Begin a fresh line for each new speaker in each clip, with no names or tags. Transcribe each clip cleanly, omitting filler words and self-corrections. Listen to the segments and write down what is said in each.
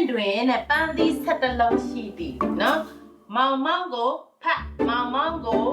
တွင်နဲ့ပန်းသီး17လုံးရှိသည်နော်မောင်မောင်ကိုဖတ်မောင်မောင်ကို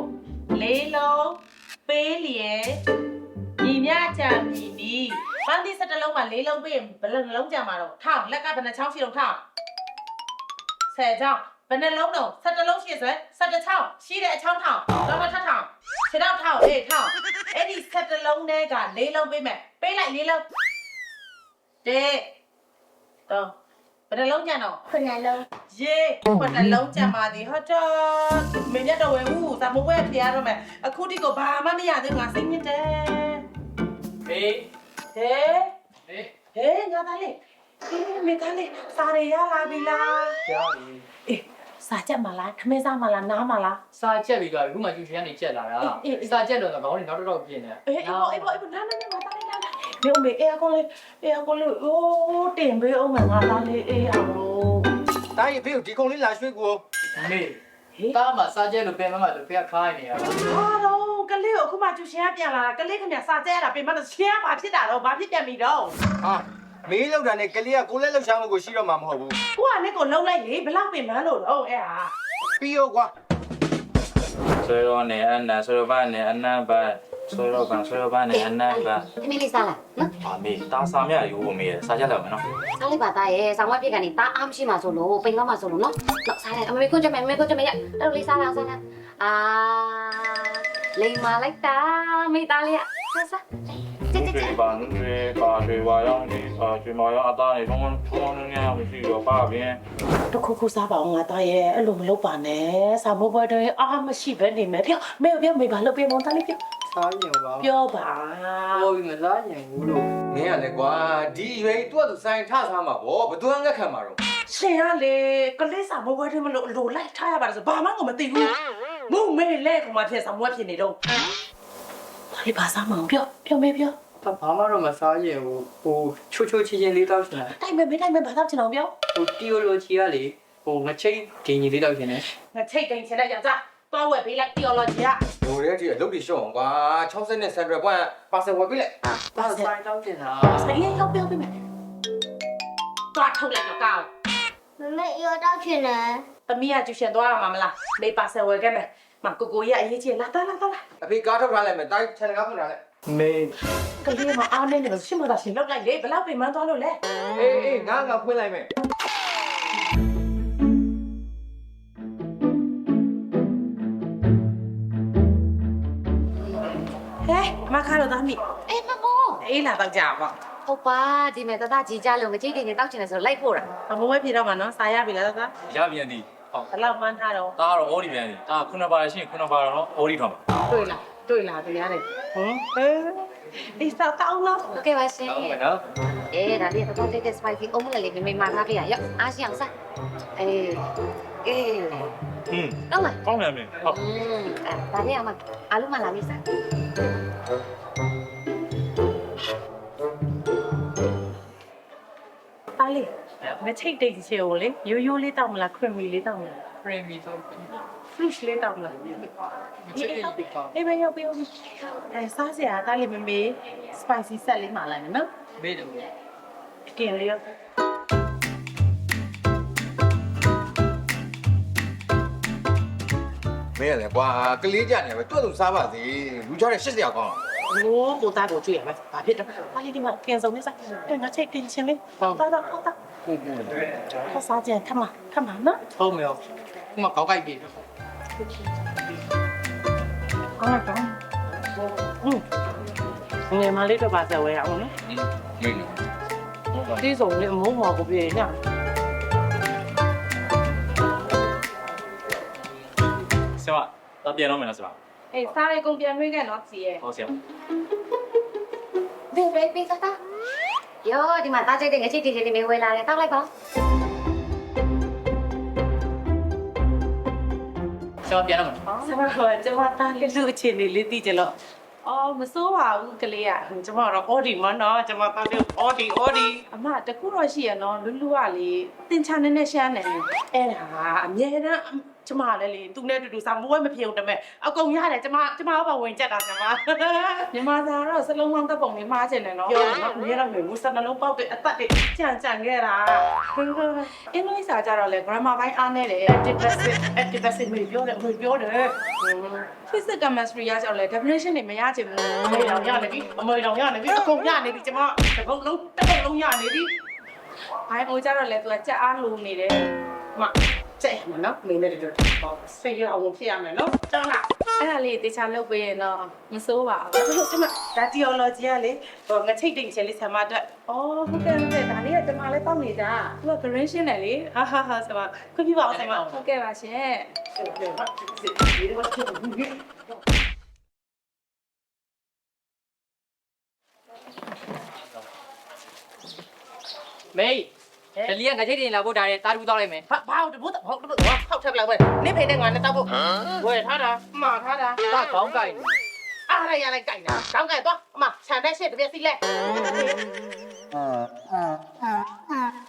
4လုံးပေးလျက်ညီမြချမ်းပြီးပြီပန်းသီး17လုံးမှာ4လုံးပေးရင်ဘယ်နှလုံးကြမှာတော့ထောင်းလက်ကဘယ်နှချောင်းရှိတော့ထောင်း10ချောင်းဘယ်နှလုံးတော့17လုံးရှိဆို17ချောင်းရှိတဲ့အချောင်းထောင်းတော့ထပ်ထောင်းခြေတော့ထောင်းထောင်းအဲ့ဒီ17လုံးနဲ့က4လုံးပေးမယ်ပေးလိုက်4လုံးတဲ့တော့ဘယ်နှလုံးကြံတော့
ခုနလုံး
ယေခုနှလုံးကြံပါသည်ဟုတ်တော့မင်းရတော့ဝဲဦးစာမိုးဝဲဖျားတော့မယ်အခုတိကိုဘာမှမရသေးငါစိတ်ညစ်တယ်
ဟေး
ဟဲငါသားလေးမေသားလေးစာရရလာပြီလား
ကြားပြီ
အေးစာချက်မလားခမဲစားမလားနားမလား
စာချက်ပြီးသွားပြီခုမှကျူချင်ကနေချက်လာတာစာချက်တော့ခေါင်းတွေနောက်တော့ပြင်းနေ
အေးအေးနားငါသားလေးနားနေဦးမေအေးအကုန်လေးအိုးတင်ပေးအောင်ငါသားလေးအေးအောင်လို့
တားရင်ဖေးကိုဒီကုံလေးလာရွှေ့ကို
မေတားမှာစာချက်လို့ပြန်မှလို့ဖေးခိုင်းနေရတာ
ဟာတော့ကလေးကိုအခုမှကျူရှင်ကပြန်လာတာကလေးခင်ဗျစာချက်ရတာပြင်မတော့ရှင်းဘာဖြစ်တာတော့ဘာဖြစ်ပြန်ပြီတော့
ဟာမေးလောက်တာနဲ့ကလေးကကိုလည်းလှုပ်ရှားမှုကိုရှိတော့မှာမဟုတ်ဘူး
ကိုကလည်းကိုလှုပ်လိုက်လေဘလောက်ပင်မလို့တော့အဲ့ဟာ
ပြီးရောကွာ
ဆွေရောနဲ့အနဆွေရောဘာနဲ့အနဘာဆွေရောဘာနဲ့အနဘာ
အမေလေးစားလားနော်
အမေတားစာမြရိုးမေးစားကြလောက်မယ်နော်
စားလိုက်ပါသားရဲ့ဆောင်းမပြစ်ကနေတားအားမရှိမှဆိုလို့ပိန်တော့မှဆိုလို့နော်တော့စားလိုက်အမေခွန်းကြမယ်ရတော့လေးစားလားအာလိမ်မာလိုက်တာမိသားလေးစား
ဒီဘာနွေတွေဝါရောင်းနေကျွေးမရောအသားနေထုံးနေရမရှိတော့ပါဗျင်း
တခုစားပါအောင်ငါသားရဲ့အဲ့လိုမလုပ်ပါနဲ့စာမိုးပွဲတွေအားမရှိပဲနေမယ်ပြောမေဘာလုပ်ပေးမသားလေးပြော
စားရင်ပါ
ပြောပါ
ဟိုမစားရင်ဘူးလို့
မင်းကလည်းကွာဒီရွေးသူ့သူစိုင်းထစားမှာဗောဘသူကငက်ခံမှာတော့
ရှင်ကလေကလေးစာမိုးပွဲတွေမလို့လိုလိုက်ထားရပါဆိုဘာမှကိုမသိဘူးမုံမေလဲကမှဖြစ်စာမိုးဖြစ်နေတော့ဒီဘာစားမအောင်ပြောမေပြော
ဘာမှတော့မစားရင်ဟိုချိုချင်းလေးတောက်ရှင်တာ
တိုက်မယ်ဘာတောက်ချင်အောင်ပြော
ဟိုတီယိုလိုချီကလေဟိုငချိတ်ဒင်းကြီးလေးတောက်ရှင်တယ်
ငချိတ်ဒင်းချင်တဲ့ယောက်ျားသွားဝယ်ပေးလိုက်တီယိုလိုချီက
ဟိုရဲဒီအလုပ်တွေရှော့အောင်ကွာ60နဲ့100ပွိုင်းပါဆယ်ဝယ်ပေးလိုက်
ပါဆိုင်တောက်ရှင်တာ
ဆိုင်ရင်ရောက်ပြောပေးမယ်သွားထုတ်လိုက်တော့ကောင်း
မမေရောတောက်ချင်တယ်
သမီးကကျူရှင်သွားရမှာမလားမေးပါဆယ်ဝယ်ခဲ့မယ်မကိုရအရေးကြီးလာ
အဖေကားထုတ်ထားလိုက်မယ်တိုင်းချန်နယ်ကားဖွင့်ထားလိုက်
မေ
ကလေးမအားနေတယ်ရှင်းမတာရှင်လောက်လိုက်လေဘလောက်ပြင်မသွားလို့လဲ
အေးငါဖွင့်လိုက်မယ်
ဟဲ့မခါတော့သားမိ
အေးမမိုး
အေးလာတော့ကြာပါ
ဟုတ်ပါဒီမဲ့တတကြီးကြလို့ငကြိတ်တင်တောက်ချင်တယ်ဆိုလိုက်ဖို့တာ
အမိုးဝဲပြေတော့မှာနော်စားရပြီလားသား
ရပြန်သည်
ဟုတ်ဘလောက်မှန်းထားတော့
တားတော့အော်ဒီပြန်သည်တာခုနပါရရှိခုနပါတော့အော်ဒီထောင်း
တွေ့လားတရားတယ်အေးစားတောင်းလား
โอเคပါရှင်
ဟုတ်မယ်နော်
ဒါလေးတော့တိတ်တဲ့ spicy အုံးမလေးမေမာထားပြရရောက်အားရှိအောင်စားအေးတော့လား
ကောင်းတယ်မင်းဟုတ်
ဒါလေးအမအားလုံးမလာပြီစား
အားလေးမချိတ်တိတ်ချေကိုလေရိုးလေးတောက်မလားခရမီလေးတောက်မလား
ခရမီတောက်
fish လေးတောက်မလားအေးမရောက်ပြီစားစရာတားလေးမေ spicy ဆက်လေးမှာလိုက်နော်
မေးတယ်
ကင်လေးရော
မင်းလည်းကွာကလေးကြနေပဲတွတ်သူစားပါစေလူကြတဲ့80ရာကောင်း
โอ้ကိုသားကိုကြည့်ရမယ်ဘာဖြစ်တော့တားလေးဒီမှာကင်စုံလေးစားငါချိတ်တင်ချင်းလေးဟုတ်တာ
ဟုတ်
ခစားကြခမနော်
ဟုတ်မယ်ခုမှကောက်ကြိုက်ပြီ
အားတော့ငယ်မလေးတော့ပါဆက်ဝဲအောင်နော်
မင်း
ဒီစုံလေးအမိုးမော်ကိုပြေးည
ဆရာတော့ပြန်တော့မယ်နော်ဆရာ
အေးစားရကုန်ပြန်နှွေးခဲ့နော်စီရဲ့
ဟုတ်ဆရာ
ဘေးတတယောဒီမှာတားချိတ်တဲ့ငချိတ်တီတီမေဝဲလာတယ်တောက်လိုက်ပါ
ဆရာပြန်တော့မယ်
ဆရာကကျွန်မတားလေးလူအခြေအနေလေးသိကြလို့အော်မစိုးပါဘူးကလေးကကျွန်မတော့အော်ဒီမနော်ကျွန်မတားလေးအော်ဒီအမတကူတော့ရှိရနော်လူကလေတင်ချာနေရှမ်းနေအဲ့ဒါအမြဲတမ်းကျမလည်းလေသူနဲ့တူတူစာမိုးဝဲမပြေဘူးတမဲ့အကုန်ရတယ်ကျမဘာဝင်ကြက်တာကျမမြန်မာစာတော့စလုံးပေါင်းတပ်ပုံလေးမှားချင်တယ်နော်ပြောတော့မင်းတော့မျိုးစနှလုံးပေါက်တဲ့အသက်တွေကြံခဲ့တာအင်္ဂလိပ်စာကြတော့လေ grammar ဘိုင်းအားနေတယ် active passive မျိုးပြောတယ် physics chemistry ရကြောက်လေ definition တွေမရချင်ဘူးအမေတော်ရနေပြီအကုန်ရနေပြီကျမတစ်ပုံလုံးရနေပြီဘိုင်းအိုကြတော့လေသူကကြက်အားလိုနေတယ်မကျဲမနော်မင်းလည်းတို့ဆေးရအောင်ဖြစ်ရမယ်နော်တောင်းလားအဲ့ဒါလေးတေချာလုပ်ပေးရင်တော့မစိုးပါဘူးဆမဒါ theology ကလေဟိုငချိတ်တိတ်ချင်လေးဆမအတွက်ဟုတ်ကဲ့ဒါလေးကကျမလည်းတောက်နေတာသူက green ရှင်းတယ်လေဟာဆမခွင့်ပြုပါအောင်ဆမဟုတ်ကဲ့ပါရှင်
မေးဒလီကငချိတ်တင်လာဖို့ဒါနဲ့တာတူတောက်လိုက်မယ်
ဘာတပုတ်ဟုတ်ထောက်ထက်လိုက်ပဲနင့်ဖေနဲ့ငါနဲ့တောက်ဖို့ဝယ်ထားတာမှားထားတာ
တာခေါင်းကိုက်
အားရရလိုက်ကြိုက်တာကောင်းကဲ့တော့အမခြံတဲ့ရှစ်တပြက်စီလဲ